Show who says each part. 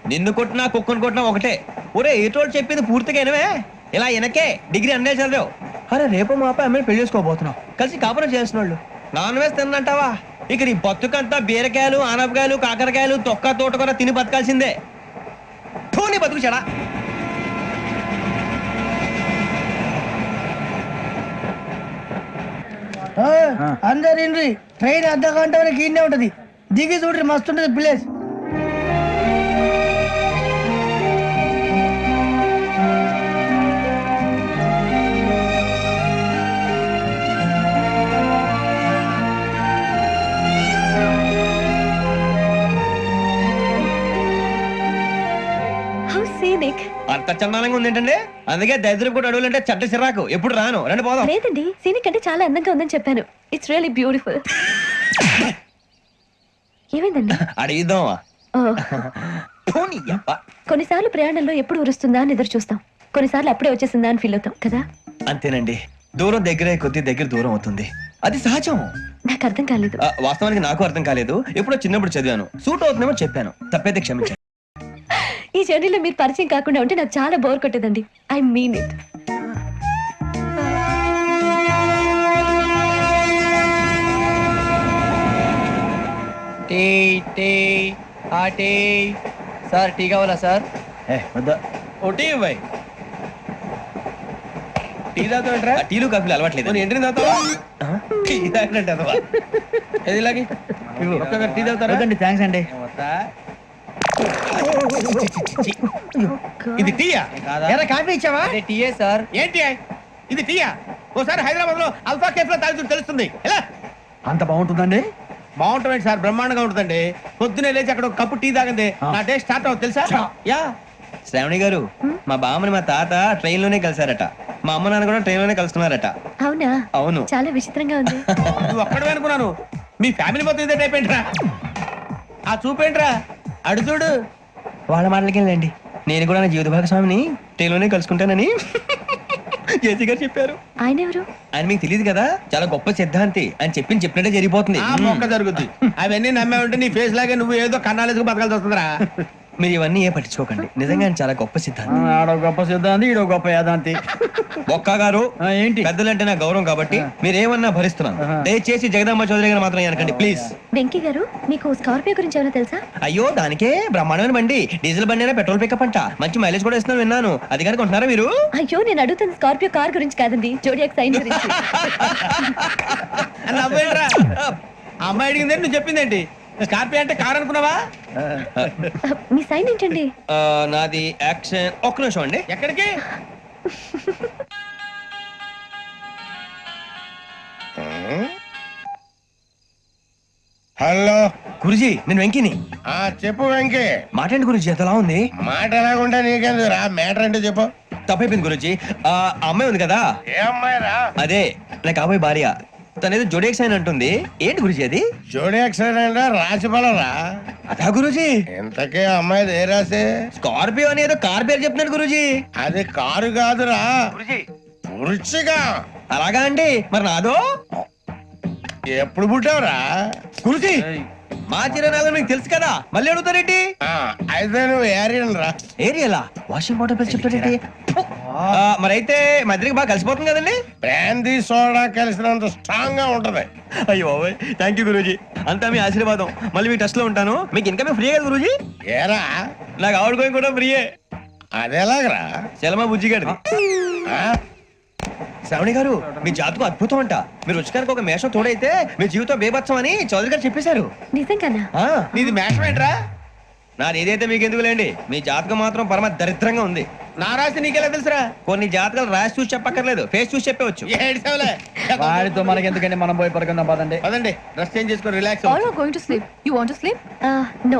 Speaker 1: నిన్ను కొట్టినా కుక్కను కొట్టినా ఒకటే. ఒరే ఏటోడు చెప్పింది పూర్తిగా వినవే. ఇలా వెనకే డిగ్రీ అన్నే చదివావు. అరే రేపు మా అబ్బాయి అమ్మని పెళ్లి చేసుకోబోతున్నావు, కలిసి కాపురం చేసిన వాళ్ళు. నాన్ వేసి తిన్నంటావా? ఇక నీ బతుకంతా బీరకాయలు ఆనపకాయలు కాకరకాయలు తొక్క తోట కూడా తిని బతకాల్సిందే. నీ బతుకు చెడా.
Speaker 2: అందరు ఇండ్రి, ట్రైన్ అర్ధ గంట వరకు ఇన్నే ఉంటది. దిగి చూడ్రి, మస్తు ఉంటది ప్లేస్.
Speaker 1: అంత చందానంగా ఉంది ఏంటండి? అందుకే దరిద్రం కూడా అడవులంటే చెడ్డ చిరాకు. ఎప్పుడు రాను, రండి పోదాం.
Speaker 3: లేదండి, సీనిక్ అంటే చాలా అందంగా ఉందని చెప్పాను. It's really beautiful. ఏమైందండి?
Speaker 1: అడిగిద్దామా?
Speaker 3: కొన్నిసార్లు ప్రయాణంలో ఎప్పుడు ఉరుస్తుందా అని ఎదురు చూస్తాం, కొన్నిసార్లు అప్పుడే వచ్చేసిందా అని ఫీల్ అవుతాం కదా.
Speaker 1: అంతేనండి, దూరం దగ్గరే కొద్ది దగ్గర దూరం అవుతుంది, అది సహజం.
Speaker 3: నాకు అర్థం కాలేదు.
Speaker 1: వాస్తవానికి నాకు అర్థం కాలేదు. ఎప్పుడో చిన్నప్పుడు చదివాను, సూట్ అవుతుందేమో చెప్పాను, తప్పైతే క్షమించండి.
Speaker 3: ఈ జర్నీలో మీరు పరిచయం కాకుండా ఉంటే నాకు చాలా బోర్ కొట్టేదండి. I mean it.
Speaker 2: Sir tea కావాలా సార్?
Speaker 1: టీ ఇవ్వాయి. టీ తాగుతాంట్రా? టీలు కాఫీలు అలవాట్లేదు. ఎంట్రీ తాగుతావా? టీ తాగినట్టు అదవా. ఏది ఇలాగే ఒక్క టీ తాగుతారా?
Speaker 2: థ్యాంక్స్ అండి.
Speaker 1: ఇది టీయా?
Speaker 2: కాఫీ ఇచ్చావా? టీయే సార్.
Speaker 1: ఏంటి ఇది టీయా? ఓసారి హైదరాబాద్ లో అల్ఫా కేఫ్ లో తాగుతూ తెలుస్తుంది. ఎలా
Speaker 2: అంత బాగుంటుందండి?
Speaker 1: బాగుంటుంది సార్, బ్రహ్మాండంగా ఉంటుందండి. పొద్దునే లేచి అక్కడ ఒక కప్పు టీ తాగండి, నా డే స్టార్ట్ అవుతుంది తెలుసా? యా. శ్రావణి గారు, మా బామ్మని మా తాత ట్రైన్ లోనే కలిసారట, మా అమ్మ నాన్న కూడా ట్రైన్ లోనే కలుస్తున్నారట.
Speaker 3: అవునా?
Speaker 1: అవును.
Speaker 3: చాలా విచిత్రంగా ఉంది.
Speaker 1: నువ్వు ఒక్కడే అనుకున్నాను, మీ ఫ్యామిలీ మొత్తం ఇదే టైప్ ఏంట్రా? ఆ చూపేంట్రా, అడు చూడు. వాళ్ళ మాటలకి వెళ్ళండి, నేను కూడా నా జీవిత భాగస్వామిని ట్రైన్ లోనే కలుసుకుంటానని జేసీ గారు చెప్పారు.
Speaker 3: ఆయన ఎవరు?
Speaker 1: ఆయన మీకు తెలియదు కదా, చాలా గొప్ప సిద్ధాంతి అని చెప్పినట్టే జరిగిపోతుంది. మొక్క జరుగుద్ది. అవన్నీ నమ్మే ఉంటే నీ ఫేస్ లాగే నువ్వు ఏదో కన్నాలేసుకు బతకాల్సి వస్తుందిరా. మీరు ఇవన్నీ ఏ పట్టించుకోకండి, నిజంగా ఆయన చాలా గొప్ప సిద్ధాంతి.
Speaker 2: ఆడో గొప్ప సిద్ధాంతి, ఈడో గొప్ప యాదాంతి.
Speaker 1: ఒక్క గారు
Speaker 2: ఏంటి?
Speaker 1: పెద్దలంటే నా గౌరవం కాబట్టి మీరేమన్నా భరిస్తున్నాను. దయచేసి జగదాంబ చౌదరి గారు మాత్రం అనకండి ప్లీజ్.
Speaker 3: వెంకీ గారు, మీకు స్కార్పియో గురించి ఏమైనా తెలుసా?
Speaker 1: అయ్యో దానికే బ్రహ్మాండమైన బండి, డీజిల్ బండి అయినా పెట్రోల్ పికప్ అంట, మంచి మైలేజ్ కూడా ఇస్తున్నాను విన్నాను. అది కనుక ఉంటున్నారా మీరు?
Speaker 3: అయ్యో నేను అడుగుతుంది స్కార్పియో కార్ గురించి కాదండి, జోడియాక్ సైన్ గురించి.
Speaker 1: అమ్మాయి అడిగిందేంటి, నువ్వు చెప్పిందేంటి? స్కార్పియో అంటే కార్ అనుకున్నావా?
Speaker 3: మీ సైన్ ఏంటండి?
Speaker 1: నాది యాక్షన్. ఒక్క నిమిషం అండి. ఎక్కడికి?
Speaker 4: హలో
Speaker 1: గురుజీ, నేను వెంకిని.
Speaker 4: చెప్పు వెంకీ.
Speaker 1: మాట్లాడండి గురుజీ, ఎంతలా ఉంది?
Speaker 4: మాట ఎలాగుంటా నీకెందుకు రా, మ్యాటర్ అంటే చెప్పు.
Speaker 1: తప్పైపోయింది గురుజీ. ఆ అమ్మాయి ఉంది కదా,
Speaker 4: ఏ అమ్మాయి రా?
Speaker 1: అదే నా కాబోయే భార్య. తనేదో జోడియాక్ సైన్ అంటుంది. ఏంటి గురుజీ అది?
Speaker 4: జోడియాక్ సైన్ రాసి బలరా?
Speaker 1: అదా గురుజీ.
Speaker 4: ఇంతకే అమ్మాయి ఏ రాసి?
Speaker 1: స్కార్పియో అని ఏదో కార్ పేరు చెప్తున్నాడు గురుజీ.
Speaker 4: అది కారు కాదురా, వృచ్చిగా.
Speaker 1: అలాగా అండి, మరి నాదో?
Speaker 4: ఎప్పుడు పుట్టావురా?
Speaker 1: గురుజీ మా చిరునాలు మీకు తెలుసు కదా, మళ్ళీ అడుగుతారేంటి?
Speaker 4: అయితే నువ్వు ఏరియన్ రా.
Speaker 1: ఏరియలా? వాషింగ్ వాటర్ పేరు చెప్తారేంటి? మరైతే మధ్యకి బాగా కలిసిపోతుంది కదండి.
Speaker 4: బ్రాందీ సోడా కలిసినంత స్ట్రాంగ్ గా ఉంటది.
Speaker 1: అయ్యో థ్యాంక్ యూ గురూజీ, అంతా మీ ఆశీర్వాదం. మళ్ళీ మీ టెస్ట్ లో ఉంటాను. మీకు ఇన్కమ్ ఫ్రీ కదా గురూజీ?
Speaker 4: ఏరా,
Speaker 1: నాకు ఆవిడ గోయింగ్ కూడా ఫ్రీయే.
Speaker 4: అదేలాగరా?
Speaker 1: చలమా బుజ్జి గారిది. శ్రావణి గారు, మీ జాతకు అద్భుతం అంట. మీరు రుచికారికి ఒక మేషం తోడైతే మీ జీవితం బేబత్సం అని చౌదరి గారు చెప్పేశారు.
Speaker 3: నిజంగానా?
Speaker 1: నీది మేషం ఏంట్రా? నాది ఏదైతే మీకు ఎందుకు లేండి, మీ జాతకం మాత్రం పరమ దరిద్రంగా ఉంది. నా రాసి నీకెలా తెలుసురా? కొన్ని జాతకాలు రాసి చూసి చెప్పక్కర్లేదు, ఫేస్ చూసి చెప్పవచ్చు.
Speaker 2: వాడితో మనకి ఎందుకంటే మనం పోయి పడుకుందాం పదండి.
Speaker 1: పదండి, డ్రెస్ చేంజ్ చేసుకొని relax.
Speaker 3: All are going to sleep. You want to sleep? No.